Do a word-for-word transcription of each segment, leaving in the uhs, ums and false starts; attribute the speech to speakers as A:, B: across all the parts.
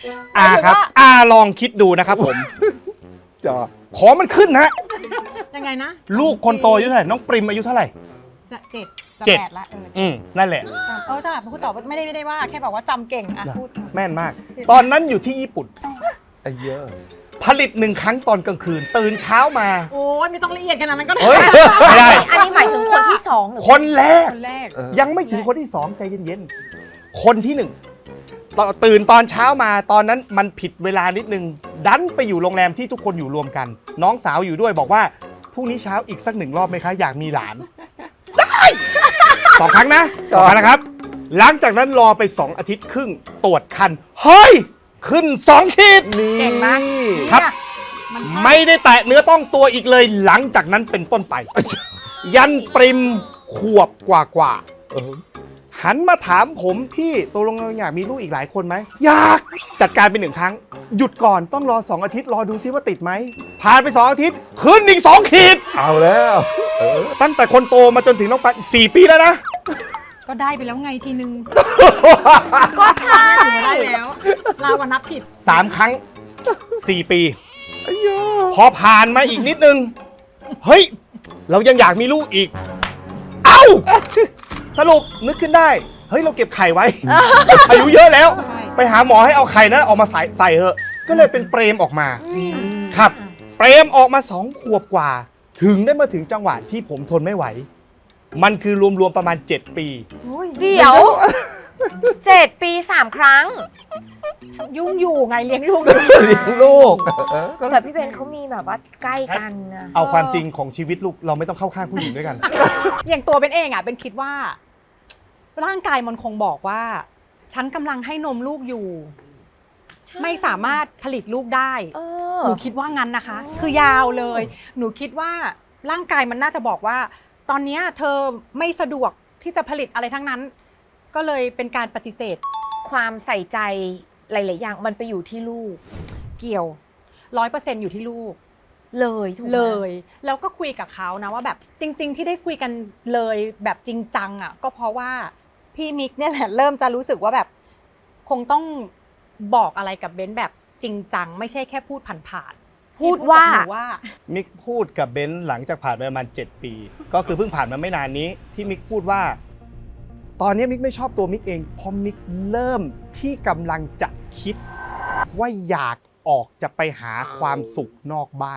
A: อาครับอาลองคิดดูนะครับผมจะขอมันขึ้นนะ
B: ยังไงนะ
A: ลูกคนโตอายุเท่าไหร่น้องปริมอายุเท่าไหร่
B: จะเจ็ดจะ
A: เจ็ด
B: แปดละเออ
A: อืมนั่นแหละ
B: จำเออแต่พูดต่อไม่ได้ไม่ได้ว่าแค่บอกว่าจำเก่งอ่ะพูด
A: แม่นมาก ตอนนั้นอยู่ที่ญี่ปุ่น
C: ไอ้เยอะ
A: ผลิตหนึ่งครั้งตอนกลางคืน ตื่นเช้ามา
B: โอ้ยไม่ต้องละเอียดขนาดนั้นก็ได้
A: เฮ้ยไม่ได้
D: อันนี้หมายถึงคนที่สองหรือ
A: คนแรก
B: คนแรก
C: เออ
A: ยังไม่ถึงคนที่สองใจเย็นๆ คนที่หนึ่งตอนตื่นตอนเช้ามาตอนนั้นมันผิดเวลานิดนึง ดันไปอยู่โรงแรมที่ทุกคนอยู่รวมกัน น้องสาวอยู่ด้วยบอกว่าพรุ่งนี้เช้าอีกสักหนึ่งรอบไหมคะ อยากมีหลาน ได้สองครั้งนะสองครั้งนะครับ หลังจากนั้นรอไปสองอาทิตย์ครึ่งตรวจคัน เฮ้ย ขึ้นสองขีด
C: นี่
B: เก่งมาก
A: ครับ
B: มันใช่
A: ไม่ได้แตะเนื้อต้องตัวอีกเลยหลังจากนั้นเป็นต้นไป ยันปริมขวบกว่ากว่าๆ
C: เออ
A: หันมาถามผมพี่ตกลงเราอยากมีลูกอีกหลายคนไหมอยากจัดการไปหนึ่งครั้ง หยุดก่อนต้องรอสองอาทิตย์รอดูซิว่าติดไหมผ่านไปสองอาทิตย์ขึ้นอีกสองขีด
C: เอาแล้วเออ
A: ตั้งแต่คนโตมาจนถึงน้องปันสี่ปีแล้วนะ
B: ก็ได้ไปแล้วไงทีนึง
D: ก็ใช่
B: ได้แล้วเราก็นับผิด
A: สามครั้งสี่ปี
C: ไอ้เยอะ
A: พอผ่านมาอีกนิดนึง เฮ้ย เรายังอยากมีลูกอีก เอ้า สรุปนึกขึ้นได้ เฮ้ย เราเก็บไข่ไว้ อายุเยอะแล้ว
B: ใช่
A: ไปหาหมอให้เอาไข่นั้นออกมาใส่ใส่เถอะ ก็เลยเป็นเปรมออกมา ครับ เปรมออกมาสองขวบกว่า ถึงได้มาถึงจังหวะที่ผมทนไม่ไหว มันคือรวมๆประมาณ เจ็ด ปี
B: โอ้ย
D: เดี๋ยวเจ็ดปีสามครั้ง
B: ยุ่งอยู่ไงเลี้ยงลูกอยู่
C: เลี้ยงลูกเออ
D: แต่พี่เบนเขามีแบบว่าใกล้กันนะ
A: เอาความจริงของชีวิตลูกเราไม่ต้องเข้าข้างผู้หญิงด้วยกัน
B: อย่างตัวเป็นเองอ่ะเป็นคิดว่า ร่างกายมันคงบอกว่า ฉันกำลังให้นมลูกอยู่
D: ใช่
B: ไม่สามารถผลิตลูกได้
D: เออ
B: หนูคิดว่างั้นนะคะ
D: อ๋อ
B: คือยาวเลย หนูคิดว่าร่างกายมันน่าจะบอกว่า ตอนเนี้ยเธอไม่สะดวกที่จะผลิตอะไรทั้งนั้น ก็เลยเป็นการปฏิเสธ
D: ความใส่ใจหลาย ๆ อย่างมันไปอยู่ที่ลูก
B: เกี่ยวร้อยเปอร์เซ็นต์อยู่ที่ลูก
D: เลยถูกไหม
B: เลย แล้วก็คุยกับเขานะว่าแบบจริง ๆ ที่ได้คุยกันเลยแบบจริงจังอ่ะ ก็เพราะว่าพี่มิกเนี่ยแหละเริ่มจะรู้สึกว่าแบบ คงต้องบอกอะไรกับเบนซ์แบบจริงจังไม่ใช่แค่พูดผ่านๆ
D: พูดว่า
B: พี่กับหนูว่า
A: มิกพูดกับเบนซ์หลังจากผ่านไปประมาณเจ็ดปี ก็คือเพิ่งผ่านมาไม่นานนี้ ที่มิกพูดว่า ตอนนี้มิกไม่ชอบตัวมิกเองเพราะมิกเริ่มที่กำลังจะคิด ว่าอยากออกจะไปหาความสุขนอกบ้าน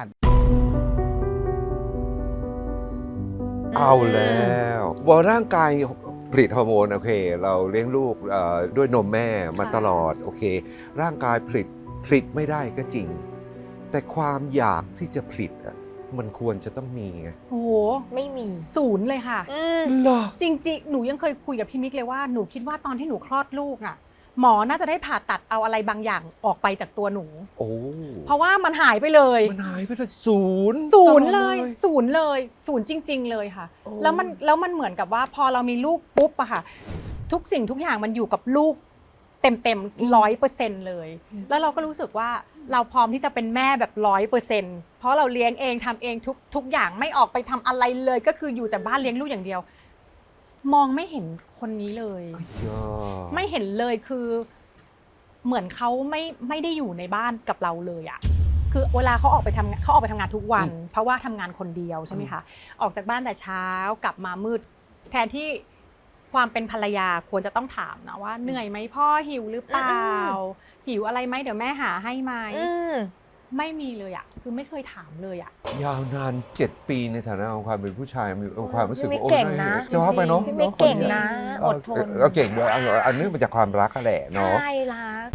C: เอาแล้วว่าร่างกายผลิตฮอร์โมนโอเค เราเลี้ยงลูกเอ่อด้วยนมแม่มา
B: ค่ะ
C: ตลอดโอเค ร่างกายผลิตผลิตไม่ได้ก็จริง แต่ความอยากที่จะผลิตอ่ะมันควรจะต้องมีไง
B: โอ้โห
D: ไม่มี
B: ศูนย์เลยค่ะ
D: อืม
C: เหรอ
B: จริงๆ หนูยังเคยคุยกับพี่มิกเลยว่าหนูคิดว่าตอนที่หนูคลอดลูกอ่ะ หมอน่าจะได้ผ่าตัดเอาอะไรบางอย่างออกไปจากตัวหนู
C: โอ้
B: เพราะว่ามันหายไปเลย
C: มันหายไปเลยศูนย์
B: ศูนย์
C: ตอ
B: เล
C: ด
B: ยศูนย์เลยศูนย์จริง ๆ เลยค่ะ
C: โอ้
B: แล้วมันแล้วมันเหมือนกับว่าพอเรามีลูกปุ๊บอะค่ะ ทุกสิ่งทุกอย่างมันอยู่กับลูกเต็มเต็มร้อยเปอร์เซ็นต์เลย แล้วเราก็รู้สึกว่าเราพร้อมที่จะเป็นแม่แบบร้อยเปอร์เซ็นต์เพราะเราเลี้ยงเองทำเองทุกทุกอย่างไม่ออกไปทำอะไรเลย ก็คืออยู่แต่บ้านเลี้ยงลูกอย่างเดียว มองไม่เห็นคนนี้เลย
C: ยอด
B: ไม่เห็นเลยคือ เหมือนเขาไม่ไม่ได้อยู่ในบ้านกับเราเลยอะคือเวลาเขาออกไปทำงานเขาออกไปทำงานทุกวัน เพราะว่าทำงานคนเดียวใช่ไหมคะออกจากบ้านแต่เช้ากลับมามืด แทนที่ความเป็นภรรยาควรจะต้องถามนะว่าเหนื่อยไหมพ่อหิวหรือเปล่า หิวอะไรไหมเดี๋ยวแม่หาให้ไหม
D: อืม
B: ไม่มีเลยอะคือไม่เคยถามเลยอะ
C: ยาวนานเจ็ดปีในฐานะของความเป็นผู้ชายมีความรู้สึก
D: พี่มิก
C: ว่าโอ้
D: เก่งนะ
C: จะว่าไปเนาะ
D: พี่มิกเก่งนะ
C: เอ
D: อ
C: อ
D: ดทน
C: เออเก่งด้วยเอาอันนี้มาจากความรักก็แหละเนาะ
D: ใช่รัก